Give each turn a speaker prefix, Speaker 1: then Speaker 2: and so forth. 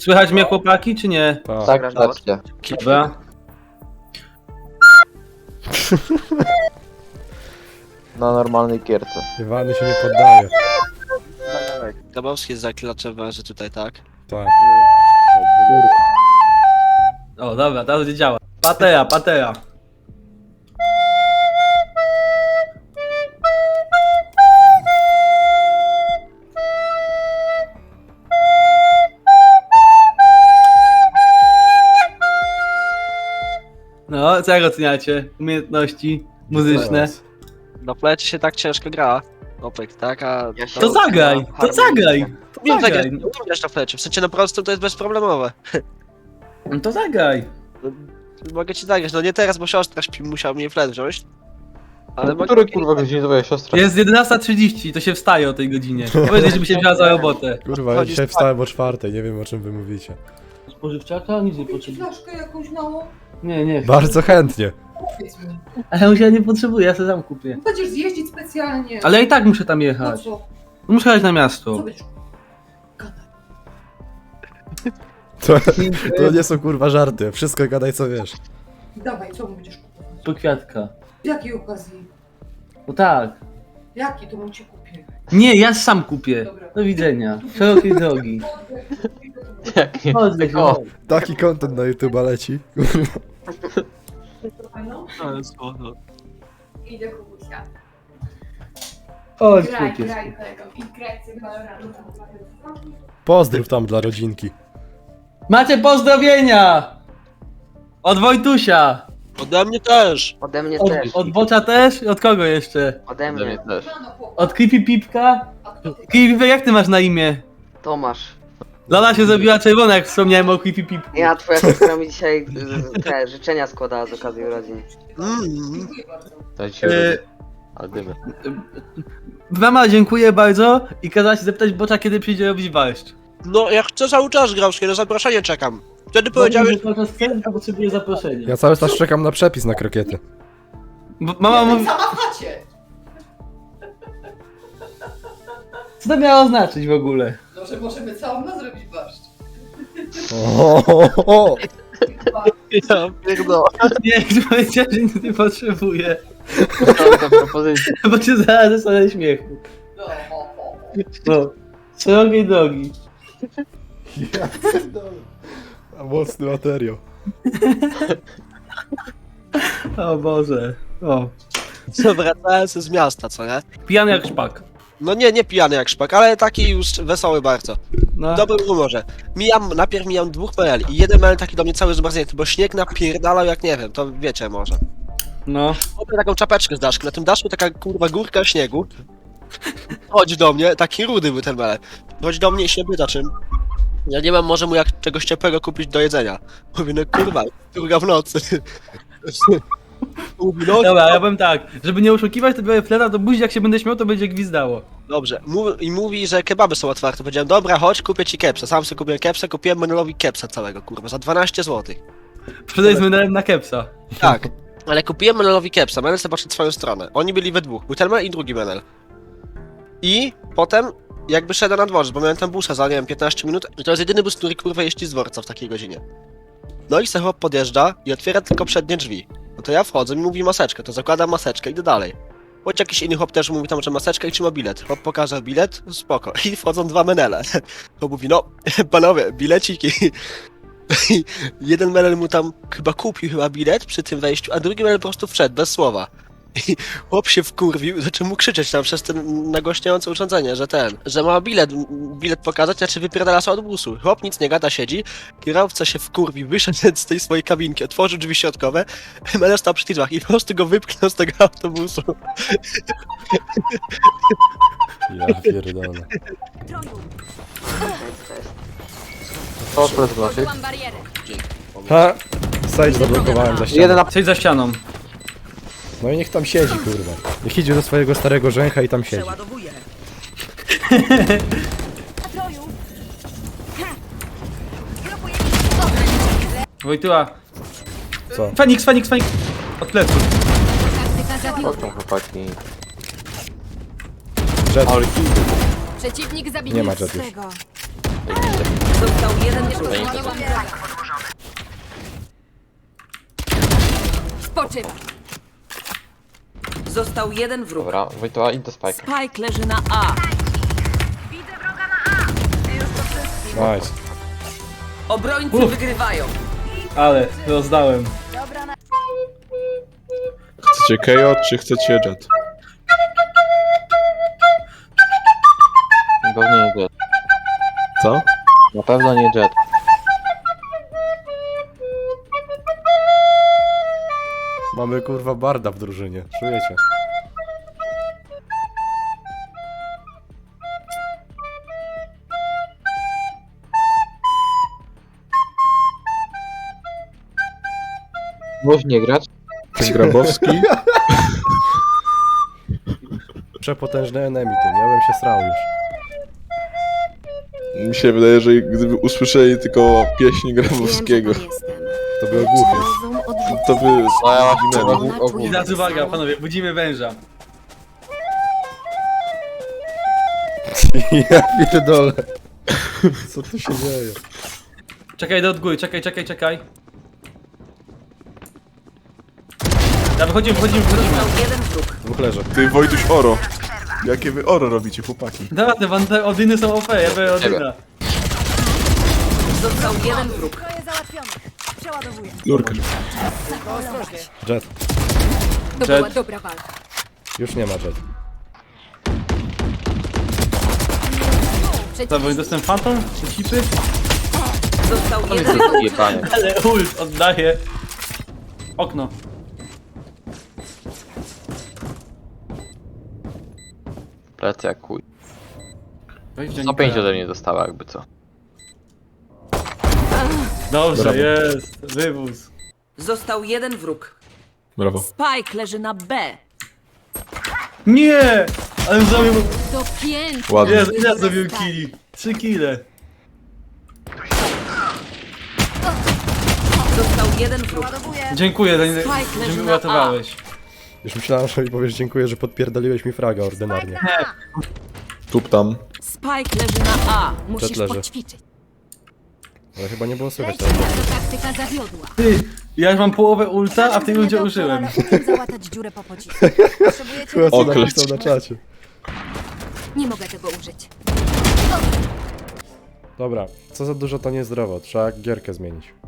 Speaker 1: Słychać mnie chłopaki, czy nie?
Speaker 2: Tak,
Speaker 3: Grasz
Speaker 2: racja.
Speaker 1: Dobra.
Speaker 2: Na normalnej gierce.
Speaker 4: Iwany się nie poddaje.
Speaker 3: Grabowski jest zaklaczem węży tutaj, tak?
Speaker 4: Tak.
Speaker 1: O, dobra, teraz będzie działa. Patera. No, co jak oceniacie? Umiejętności muzyczne.
Speaker 3: Na plecie się tak ciężko gra. Opek, tak? A
Speaker 2: Ja się-
Speaker 1: To zagraj! To zagraj!
Speaker 3: Umiem
Speaker 1: zagraj.
Speaker 3: zagrać, umiem grać na plecie. W sensie na prostu to jest bezproblemowe.
Speaker 1: No to zagraj!
Speaker 3: Mogę ci zagrać, no nie teraz, bo siostra śpi, musiała mnie flet wziąć. Ale mogę...
Speaker 2: Który kurwa godziny twoja siostra?
Speaker 1: Jest 11:30, to się wstaje o tej godzinie. Powiedz, żeby się wzięła za robotę.
Speaker 4: Kurwa, ja dzisiaj wstałem o 4, nie wiem o czym wy mówicie.
Speaker 1: Spożywczaka? Nic nie
Speaker 5: Macie
Speaker 1: potrzebuję.
Speaker 5: flaszkę jakąś małą?
Speaker 1: Nie.
Speaker 4: Bardzo chętnie.
Speaker 5: Powiedz mi.
Speaker 1: Ale ja nie potrzebuję, ja sobie sam kupię.
Speaker 5: Będziesz zjeździć specjalnie.
Speaker 1: Ale ja i tak muszę tam
Speaker 5: No
Speaker 1: jechać.
Speaker 5: co?
Speaker 1: Muszę jechać na
Speaker 5: Co
Speaker 1: miasto.
Speaker 5: będziesz gadać?
Speaker 4: To nie są kurwa żarty. Wszystko gadaj co wiesz.
Speaker 5: Dawaj, co mu będziesz kupować?
Speaker 1: Po kwiatka.
Speaker 5: Z jakiej okazji?
Speaker 1: No tak.
Speaker 5: Jaki to mu cię kupię?
Speaker 1: Nie, ja sam kupię.
Speaker 5: Dobra.
Speaker 1: Do widzenia. Szerokiej drogi.
Speaker 2: Jakie?
Speaker 1: Chodź,
Speaker 2: O.
Speaker 4: Taki content na YouTube leci.
Speaker 5: No,
Speaker 3: Ale słowo.
Speaker 6: Idę kubusia.
Speaker 1: Chodź,
Speaker 6: Graj,
Speaker 1: kupię.
Speaker 6: graj kolego. I graj sobie Valorant.
Speaker 4: Pozdrów tam dla rodzinki.
Speaker 1: Macie pozdrowienia! Od Wojtusia.
Speaker 3: Ode mnie też!
Speaker 7: Ode mnie
Speaker 1: Od,
Speaker 7: też.
Speaker 1: od Bocza też? I od kogo jeszcze?
Speaker 7: Ode
Speaker 2: Dla mnie
Speaker 7: mnie.
Speaker 2: też.
Speaker 1: Od Creepy Pipka? Creepy Pipek, jak ty masz na imię?
Speaker 7: Tomasz.
Speaker 1: Lola się zrobiła czerwona, jak wspomniałem o Creepy Pipku.
Speaker 7: Ja, twoja siostra mi dzisiaj te życzenia składała z okazji urodzin.
Speaker 5: dziękuję bardzo.
Speaker 2: Daj się ale dymy.
Speaker 1: Mama, dziękuję bardzo i kazała się zapytać Bocza, kiedy przyjdzie robić barszcz.
Speaker 3: No, ja chcę cały czas grać, na zaproszenie czekam. Wtedy powiedziałeś...
Speaker 1: Cały czas chcę, to potrzebuję zaproszenia.
Speaker 4: Ja cały czas czekam na przepis na krokiety.
Speaker 1: Bo mama mówi,
Speaker 5: Sama w chacie.
Speaker 1: co to miało znaczyć w ogóle?
Speaker 5: No, że możemy całą noc zrobić barszcz.
Speaker 4: O.
Speaker 3: Ja pierdolę.
Speaker 1: Nie, powiedziałem, że nic nie potrzebuję,
Speaker 2: To propozycja.
Speaker 1: bo cię zaraz zostanę śmiechu.
Speaker 5: No,
Speaker 1: No, szerokiej drogi.
Speaker 4: Mocny materiał.
Speaker 1: O Boże, o.
Speaker 3: Co, wracałem z miasta, co nie?
Speaker 1: Pijany jak szpak.
Speaker 3: No nie pijany jak szpak, ale taki już wesoły bardzo.
Speaker 1: No.
Speaker 3: W dobrym humorze. Najpierw mijam 2 PL i jeden PL taki do mnie cały zmarznięty, bo śnieg napierdalał jak nie wiem, to wiecie może.
Speaker 1: No.
Speaker 3: Kupię taką czapeczkę z daszku, na tym daszku taka kurwa górka śniegu. Chodź do mnie, taki rudy był ten PL. Chodź do mnie i się pyta czym. Ja nie mam, może mu jak czegoś ciepłego kupić do jedzenia. Mówię, no kurwa, druga w nocy. Mówi, no
Speaker 1: Dobra, ja powiem tak, żeby nie oszukiwać, to biorę fleta do buzi, jak się będę śmiał, to będzie gwizdało.
Speaker 3: dobrze. I mówi, że kebaby są otwarte. Powiedziałem, dobra, chodź, kupię ci kepsa. Sam sobie kupiłem kepsa, kupiłem Menelowi kepsa całego, kurwa, za 12 zł.
Speaker 1: Sprzedaj z menelem na kepsa.
Speaker 3: Tak. Ale kupiłem Menelowi kepsa, Menel sobie poszedł w swoją stronę. Oni byli we dwóch, był ten Menel i drugi Menel. I potem jakby szedłem na dworzec, bo miałem tam busa za, nie wiem, 15 minut i to jest jedyny bus, który kurwa jeździ z dworca w takiej godzinie. No i se chłop podjeżdża i otwiera tylko przednie drzwi. No to ja wchodzę, mi mówi maseczkę, to zakładam maseczkę, idę dalej. Choć jakiś inny chłop też mówi tam, że maseczkę i trzyma bilet. Chłop pokaże bilet, spoko. I wchodzą 2 menele. Chłop mówi, no, panowie, bileciki. I jeden menel mu tam chyba kupił bilet przy tym wejściu, a drugi menel po prostu wszedł, bez słowa. I chłop się wkurwił, zaczął mu krzyczeć tam przez ten nagłaśniające urządzenie, że ma bilet pokazać, znaczy wypierdala się od busu. Chłop nic nie gada, siedzi, kierowca się wkurwił, wyszedł z tej swojej kabinki, otworzył drzwi środkowe, menel stał przy tych drzwiach i po prostu go wypchnął z tego autobusu.
Speaker 4: Ja pierdolę.
Speaker 2: To flet naszych.
Speaker 6: Mam barierę.
Speaker 4: Ha! Sage zablokowałem za ścianą.
Speaker 2: Jeden na...
Speaker 1: Siedź za ścianą.
Speaker 4: No i niech tam siedzi, kurwa. Niech idzie do swojego starego rzęcha i tam siedzi.
Speaker 6: Troju.
Speaker 1: Wojtyła.
Speaker 4: Co?
Speaker 1: Feniks. Od pleców.
Speaker 6: Taktyka zabiła.
Speaker 2: Chodź tam chłopaki.
Speaker 4: Jet.
Speaker 6: Przeciwnik
Speaker 4: Nie
Speaker 6: zabity
Speaker 4: ma Jet już.
Speaker 6: swego.
Speaker 8: Został jeden wróg.
Speaker 6: Spoczywa.
Speaker 8: Został jeden wróg.
Speaker 2: Dobra, Wojtoła, idź do Spike'a.
Speaker 8: Spike leży na A.
Speaker 4: Nice.
Speaker 8: Obrońcy wygrywają.
Speaker 1: Ale rozdałem.
Speaker 9: Chcecie KO, czy chcecie Jet?
Speaker 2: Pewnie nie Jet.
Speaker 9: Co?
Speaker 2: Na pewno nie Jet.
Speaker 4: Mamy kurwa barda w drużynie, czujecie?
Speaker 2: Możesz nie grać?
Speaker 9: Ten Grabowski?
Speaker 4: Przepotężny enemy tym, ja bym się srał już.
Speaker 9: Mi się wydaje, że gdyby usłyszeli tylko pieśń Grabowskiego,
Speaker 4: To był głuchy.
Speaker 9: to by
Speaker 2: No ja właśnie
Speaker 9: zginęli.
Speaker 1: I teraz uwaga, panowie, budzimy węża.
Speaker 4: Ja pierdolę. Co tu się dzieje?
Speaker 1: Czekaj do góry, czekaj. Ja wychodzimy.
Speaker 8: Został jeden wróg.
Speaker 4: Dwóch leży.
Speaker 9: Ty Wojtuś Oro. Jakie wy Oro robicie, chłopaki?
Speaker 1: Dobra, te Odyny są OP, ja biorę Odyna.
Speaker 8: Został jeden wróg.
Speaker 9: Lurka.
Speaker 4: Jet.
Speaker 6: To była dobra walka.
Speaker 4: Już nie ma Jet.
Speaker 1: Co, bo dostęp Phantom? Czy chipy?
Speaker 8: Został
Speaker 2: To
Speaker 8: jeden
Speaker 2: jest
Speaker 8: wróg.
Speaker 2: jebanie.
Speaker 1: Ale ult oddaje. Okno.
Speaker 2: Plecy jak kuj.
Speaker 1: Weź
Speaker 2: 105 ode mnie dostała jakby co.
Speaker 1: Dobrze,
Speaker 9: Brawo.
Speaker 1: jest. Wywóz.
Speaker 8: Został jeden wróg.
Speaker 9: Brawo.
Speaker 8: Spike leży na B.
Speaker 1: Nie! Ale zrobił...
Speaker 6: To pięknie.
Speaker 9: Ładnie.
Speaker 1: Jezu, ile zrobił killi? 3 kile.
Speaker 8: Został jeden wróg.
Speaker 1: Dziękuję,
Speaker 8: Spike
Speaker 1: że
Speaker 8: leży
Speaker 1: mi
Speaker 8: na
Speaker 1: uratowałeś.
Speaker 4: Już myślałem, że mi powiesz dziękuję, że podpierdoliłeś mi fraga ordynarnie.
Speaker 9: Tup tam.
Speaker 8: Spike leży na A.
Speaker 6: Musisz
Speaker 4: leży.
Speaker 6: poćwiczyć.
Speaker 4: Ale chyba nie było słychać teraz.
Speaker 6: Taktyka zawiodła.
Speaker 1: Ty, ja już mam połowę ulta, a w tej ulcie użyłem.
Speaker 6: Załatać dziurę po pocisku. Potrzebujecie...
Speaker 4: Chyba co
Speaker 9: Okleć.
Speaker 4: napisał na czacie.
Speaker 6: Nie mogę tego użyć.
Speaker 4: Dobra, co za dużo to niezdrowo, trzeba gierkę zmienić.